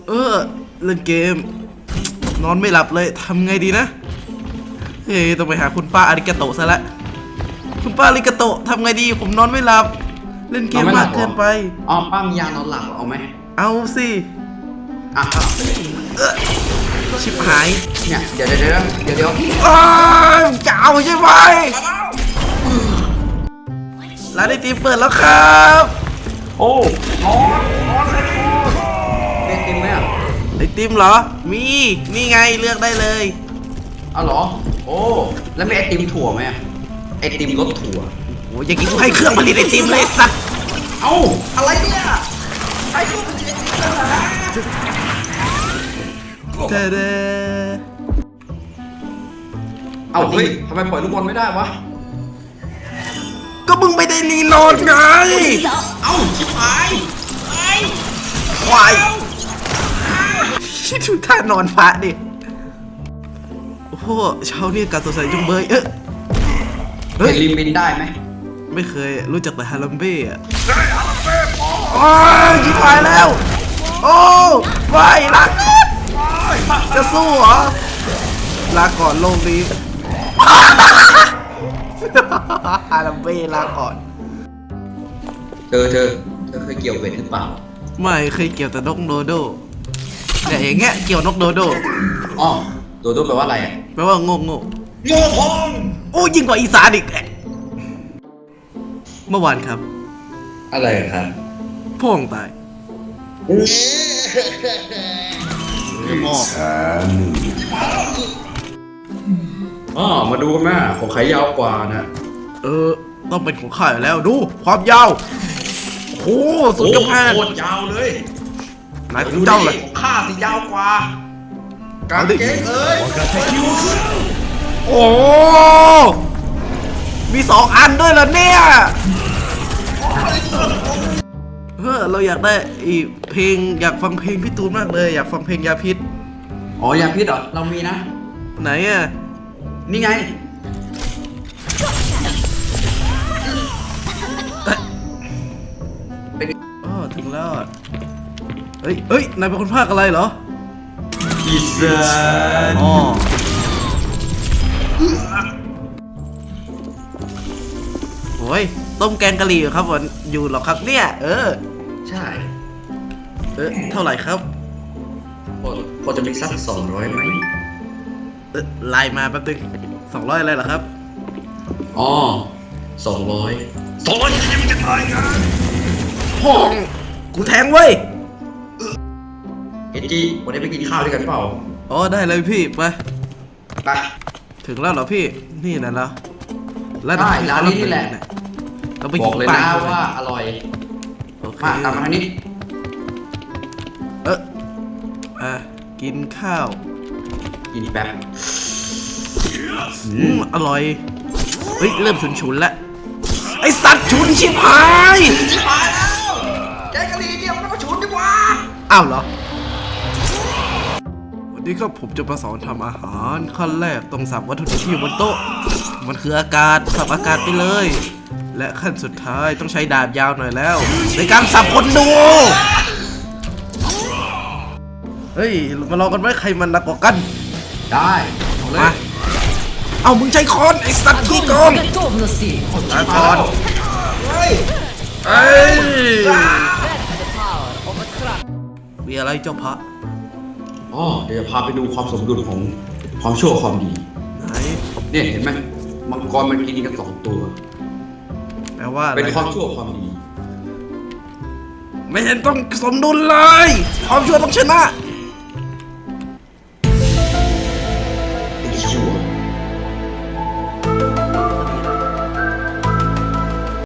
เล่นเกมนอนไม่หลับเลยทำไงดีนะเฮ้ยต้องไปหาคุณป้าอาริกาโตะซะละคุณป้าอาริกาโตะทำไงดีผมนอนไม่หลับเล่นเกมมากเกินไปอ๋อป้ามียานอนหลับเอาไหมเอาสิอ่ะชิบหายเนี่ยเดี๋ยวจะเอาใช่ไหมร้านไอติมเปิดแล้วครับโอ้นอนไอติมไหมอ่ะไอติมเหรอมีนี่ไงเลือกได้เลยเอาเหรอโอ้แล้วมีไอติมถั่วไหมไอติมรสถั่วโอ้ยอย่างนี้กูให้เครื่องผลิตไอติมเลยสัตว์เอ้าอะไรเนี่ยไอติมผลิตไอติมเด้เอาเฮ้ยทำไมปล่อยลูกบอลไม่ได้วะก็มึงไม่ได้รีโหลดไงเอ้าชิบหายควายดูท่านอนพระดิโอ้โหเช้านี้การสดใสจุงเบยเฮ้ยลิมบินได้ไหมไม่เคยรู้จักแต่ฮาลัมเบ้อะโอ้ยชิบหายแล้วโอ้ไม่รักจะสู้เหรอลาก่อนโลกนี้ฮาลัมเบ้ลาก่อนเธอเคยเกี่ยวเบ็ดหรือเปล่าไม่เคยเกี่ยวแต่นกโดโดแต่อย่างเงี้ยเกี่ยวนกโดโดอ๋อโดโดแปลว่าอะไรอ่ะแปลว่าโง่พองโอ้ยิ่งกว่าอีสานอีกเมื่อวานครับอะไรครับพ่องตายมาดูกันแม่ของใครยาวกว่านะต้องเป็นของข้าอยู่แล้วดูความยาวโอ้สุดยอดโคตรยาวเลยนายของเจ้าเลยของข้าสิยาวกว่ากางเกงโอ้มี2 อันด้วยเหรอเนี่ยเราอยากได้อีเพลงอยากฟังเพลงพี่ตูนมากเลยอยากฟังเพลงยาพิษอ๋อยาพิษเหรอเรามีนะไหนอ่ะนี่ไงถึงแล้วเฮ้ยนายเป็นคนภาคอะไรเหรออีสานโอ้ยต้มแกงกะหรี่ครับผมอยู่หรอครับเนี่ยใช่เท่าไหร่ครับพอจะมีสัก200ไหมไลน์มาแป๊บนึง200อะไรเหรอครับอ๋อ200ยังไม่จะตายกันพ่องกูแทงเว้ยเอ็นจีวันนี้ไปกินข้าวด้วยกันเปล่าอ๋อได้เลยพี่ไปไปถึงแล้วเหรอพี่นี่นะเหรอได้ร้านนี้นี่แหละเราไปบอกเลยนะว่าอร่อยมาตามมาทางนี้กินข้าวกินแป๊บอร่อยเฮ้ยเริ่มฉุนๆแล้วไอสัตว์ฉุนชิบหายแล้วแกงกะหรี่เนี่ยมันก็ฉุนดีกว่าอ้าวเหรอวันนี้ครับผมจะมาสอนทำอาหารขั้นแรกต้องสับวัตถุดิบที่อยู่บนโต๊ะมันคืออากาศสับอากาศไปเลยและขั้นสุดท้ายต้องใช้ดาบยาวหน่อยแล้วในการสับคนดูเฮ้ยมาลองกันไหมใครมันหนักกว่ากันได้มาเอามึงใช้ค้อนไอสัตว์ขี้โกงตาค้อนมีอะไรเจ้าพระเดี๋ยวพาไปดูความสมดุลของความชั่วความดีไหนเนี่ยเห็นไหมมังกรมันกินกัน2 ตัวแปลว่าเป็นความชั่วความดีไม่เห็นต้องสมดุลเลยความชั่วต้องชนะ